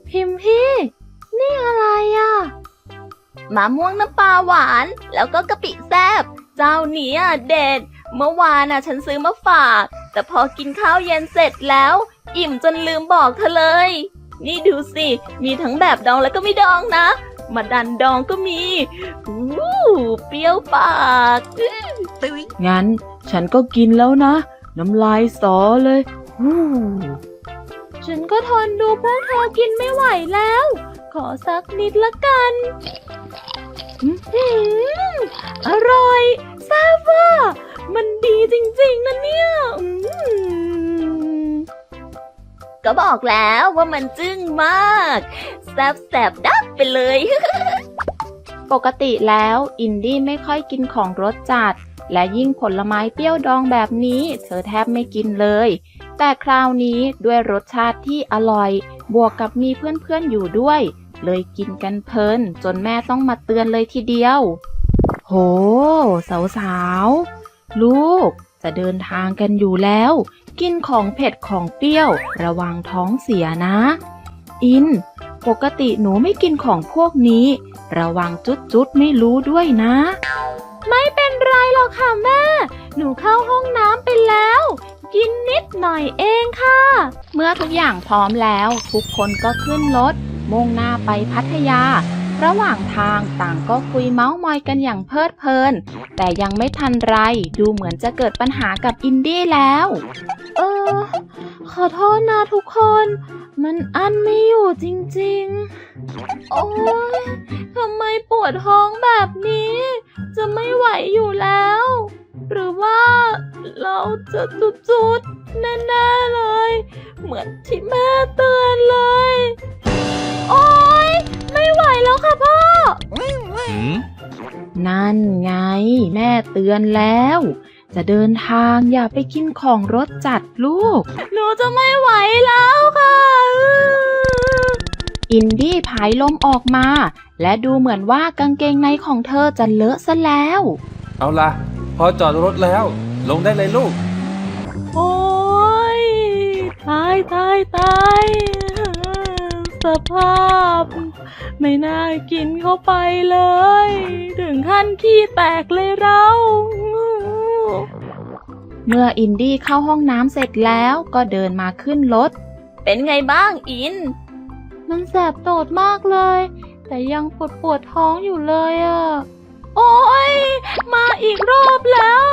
พิมพี่นี่อะไรอ่ะมะม่วงน้ำปลาหวานแล้วก็กะปิแซ่บเจ้านี้เด็ดเมื่อวานฉันซื้อมาฝากแต่พอกินข้าวเย็นเสร็จแล้วอิ่มจนลืมบอกเธอเลยนี่ดูสิมีทั้งแบบดองแล้วก็ไม่ดองนะมาดันดองก็มีเปรี้ยวปากงั้นฉันก็กินแล้วนะน้ำลายสอเลยฉันก็ทนดูพวกเธอกินไม่ไหวแล้วขอสักนิดละกันอร่อยทราบว่ามันดีจริงๆนะเนี่ยก็บอกแล้วว่ามันจึ้งมากแซ่บๆดับไปเลย ปกติแล้วอินดี้ไม่ค่อยกินของรสจัดและยิ่งผลไม้เปรี้ยวดองแบบนี้เธอแทบไม่กินเลยแต่คราวนี้ด้วยรสชาติที่อร่อยบวกกับมีเพื่อนๆอยู่ด้วยเลยกินกันเพลินจนแม่ต้องมาเตือนเลยทีเดียวโหสาวๆลูกจะเดินทางกันอยู่แล้วกินของเผ็ดของเปรี้ยวระวังท้องเสียนะอินปกติหนูไม่กินของพวกนี้ระวังจุดไม่รู้ด้วยนะไม่เป็นไรหรอกค่ะแม่หนูเข้าห้องน้ำไปแล้วกินนิดหน่อยเองค่ะเมื่อทุกอย่างพร้อมแล้วทุกคนก็ขึ้นรถมุ่งหน้าไปพัทยาระหว่างทางต่างก็คุยเม้ามอยกันอย่างเพลิดเพลินแต่ยังไม่ทันไรดูเหมือนจะเกิดปัญหากับอินดี้แล้วขอโทษนะทุกคนมันอั้นไม่อยู่จริงๆโอ๊ยทำไมปวดท้องแบบนี้จะไม่ไหวอยู่แล้วหรือว่าเราจะจุดๆแน่ๆเลยเหมือนที่แม่เตือนเลยโอ๊ยไม่ไหวแล้วค่ะพ่อนั่นไงแม่เตือนแล้วจะเดินทางอย่าไปกินของรสจัดลูกหนูจะไม่ไหวแล้วค่ะอินดี้ผายลมออกมาและดูเหมือนว่ากางเกงในของเธอจะเลอะซะแล้วเอาล่ะพอจอดรถแล้วลงได้เลยลูกโอ๊ยตายสภาพไม่น่ากินเข้าไปเลยถึงขั้นขี้แตกเลยเราเมื่ออินดี้เข้าห้องน้ำเสร็จแล้วก็เดินมาขึ้นรถเป็นไงบ้างอินมันแสบโตดมากเลยแต่ยังปวดท้องอยู่เลยโอ๊ยมาอีกรอบแล้ว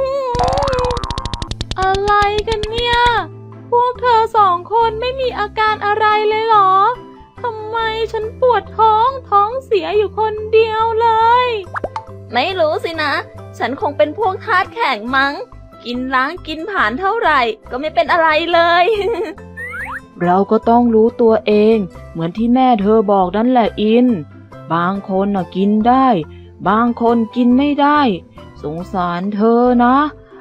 อะไรกันเนี่ยพวกเธอสองคนไม่มีอาการอะไรเลยเหรอทำไมฉันปวดท้องเสียอยู่คนเดียวเลยไม่รู้สินะฉันคงเป็นพวกธาตุแข็งมั้งกินล้างกินผ่านเท่าไหร่ก็ไม่เป็นอะไรเลยเราก็ต้องรู้ตัวเองเหมือนที่แม่เธอบอกนั่นแหละอินบางคนกินได้บางคนกินไม่ได้สงสารเธอนะ